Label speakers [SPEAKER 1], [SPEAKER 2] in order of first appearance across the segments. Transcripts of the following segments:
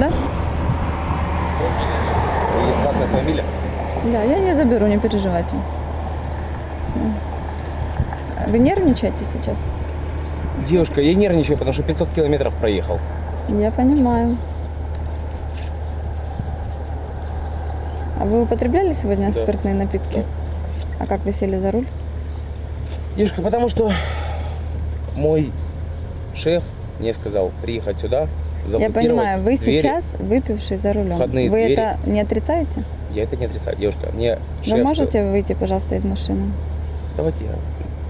[SPEAKER 1] Да?
[SPEAKER 2] Регистрация автомобиля?
[SPEAKER 1] Да, я не заберу, не переживайте. Вы нервничаете сейчас?
[SPEAKER 2] Девушка, я нервничаю, потому что 500 километров проехал.
[SPEAKER 1] Я понимаю. А вы употребляли сегодня
[SPEAKER 2] Да.
[SPEAKER 1] спиртные напитки?
[SPEAKER 2] Да.
[SPEAKER 1] А как вы сели за руль?
[SPEAKER 2] Девушка, потому что мой шеф мне сказал приехать сюда,
[SPEAKER 1] Я
[SPEAKER 2] заблокировать
[SPEAKER 1] понимаю, вы
[SPEAKER 2] двери.
[SPEAKER 1] сейчас выпивший за рулем.
[SPEAKER 2] Входные
[SPEAKER 1] Вы
[SPEAKER 2] двери.
[SPEAKER 1] это не отрицаете?
[SPEAKER 2] Я это не отрицаю. Девушка, мне шеф...
[SPEAKER 1] Вы можете выйти, пожалуйста, из машины?
[SPEAKER 2] Давайте я...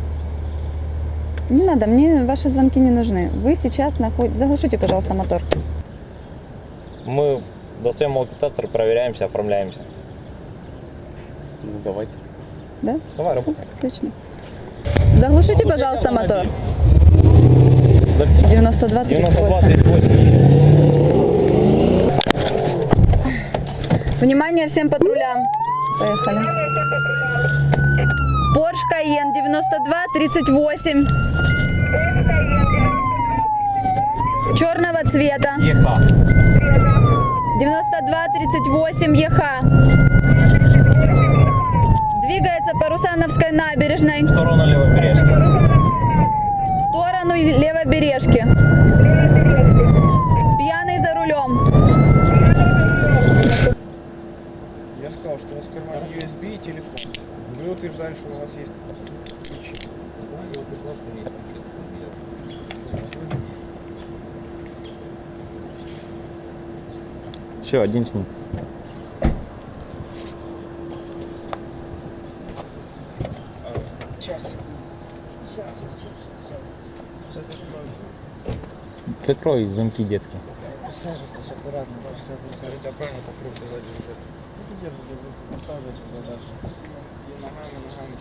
[SPEAKER 1] Не надо, мне ваши звонки не нужны. Вы сейчас находитесь... Заглушите, пожалуйста, мотор.
[SPEAKER 3] Мы достаем алкотестер, проверяемся, оформляемся.
[SPEAKER 2] Ну, давайте.
[SPEAKER 1] Да?
[SPEAKER 3] Давай,
[SPEAKER 1] Всё,
[SPEAKER 3] работаем.
[SPEAKER 1] отлично. Заглушите, пожалуйста, мотор. 92 38.
[SPEAKER 3] 92, 38.
[SPEAKER 1] Внимание всем патрулям. Поехали. Porsche Cayenne 92 38. Черного цвета.
[SPEAKER 3] ЕХ.
[SPEAKER 1] 92 38 ЕХ. Двигается по Русановской набережной
[SPEAKER 3] В сторону Левобережки.
[SPEAKER 1] в сторону Левобережки. Пьяный за рулем.
[SPEAKER 4] Я сказал, что у вас в кармане USB и телефон. Вы утверждали, что у вас есть ключи.
[SPEAKER 3] Все, один с ним.
[SPEAKER 4] Сейчас.
[SPEAKER 3] Прикрой замки детские.
[SPEAKER 4] Присаживайтесь аккуратно. Скажите, а правильно покрылся сзади уже? Держите, посаживайте туда дальше. И ногами.